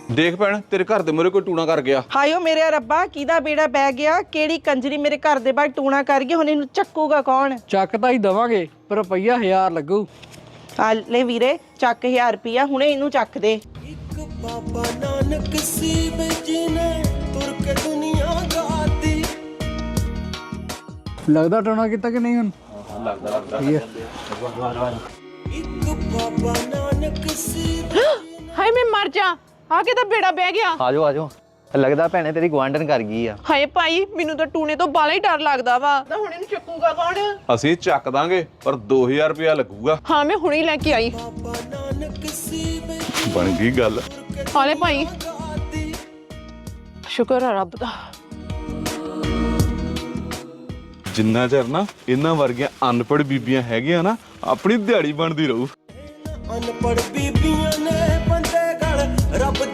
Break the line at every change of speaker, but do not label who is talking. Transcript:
ਦੇਖ ਭੈਣ ਤੇਰੇ ਘਰ ਦੇ ਮੂਹਰੇ ਕੋਈ ਟੂਣਾ ਕਰ ਗਿਆ।
ਹਾਇਓ ਮੇਰੇ ਰੱਬਾ, ਕਿਹਦਾ ਬੇੜਾ ਬਹਿ ਗਿਆ? ਕਿਹੜੀ ਕੰਜਰੀ ਮੇਰੇ ਘਰ ਦੇ ਬਾਹਰ ਟੂਣਾ ਕਰ ਗਈ? ਹੁਣ ਇਹਨੂੰ ਚੱਕੂਗਾ ਕੌਣ?
ਚੱਕ ਤਾਂ ਹੀ ਦਵਾਂਗੇ ਪਰ ਰੁਪਈਆ 1000 ਲੱਗੂ।
ਆ ਲੈ ਵੀਰੇ, ਚੱਕ 1000 ਰੁਪਿਆ, ਹੁਣੇ ਇਹਨੂੰ ਚੱਕ ਦੇ।
ਇੱਕ ਬਾਬਾ ਨਾਨਕ ਸੀ ਜਿਹਨੇ ਤੁਰ ਕੇ ਦੁਨੀਆ ਗਾਤੀ।
ਲੱਗਦਾ ਟੋਣਾ ਕੀਤਾ ਕਿ ਨਹੀਂ ਹੁਣ?
ਲੱਗਦਾ
ਠੀਕ ਹੈ।
ਇੱਕ ਬਾਬਾ ਨਾਨਕ ਸੀ।
ਹਾਏ ਮੈਂ ਮਰ ਜਾ, ਆ ਕੇ ਤਾਂ ਬੇੜਾ ਬਹਿ ਗਿਆ।
ਆਜੋ ਆਜੋ, ਲੱਗਦਾ ਭੈਣੇ ਤੇਰੀ ਗੁਆਂਢਣ ਕਰ ਗਈ ਆ।
ਹਾਏ ਭਾਈ, ਮੈਨੂੰ ਤਾਂ ਟੂਣੇ ਤੋਂ ਬਾਲਾ ਹੀ ਡਰ ਲੱਗਦਾ ਵਾ। ਤਾਂ ਹੁਣ ਇਹਨੂੰ ਚੱਕੂਗਾ ਕੌਣ?
ਅਸੀਂ ਚੱਕ ਦਾਂਗੇ ਪਰ 2000 ਰੁਪਇਆ ਲੱਗੂਗਾ।
ਹਾਂ ਮੈਂ ਹੁਣੇ ਲੈ ਕੇ ਆਈ।
ਬਾਬਾ ਨਾਨਕ ਸੀ
ਬਣ ਗਈ ਗੱਲ।
ਹਾਲੇ ਭਾਈ, ਸ਼ੁਕਰ ਆ ਰੱਬ ਦਾ।
ਜਿੰਨਾ ਚਿਰ ਨਾ ਇਹਨਾਂ ਵਰਗੀਆਂ ਅਨਪੜ੍ਹ ਬੀਬੀਆਂ ਹੈਗੀਆਂ ਨਾ, ਆਪਣੀ ਦਿਹਾੜੀ ਬਣਦੀ ਰਹੂ।
ਅਨਪੜ੍ਹ ਬੀਬੀਆਂ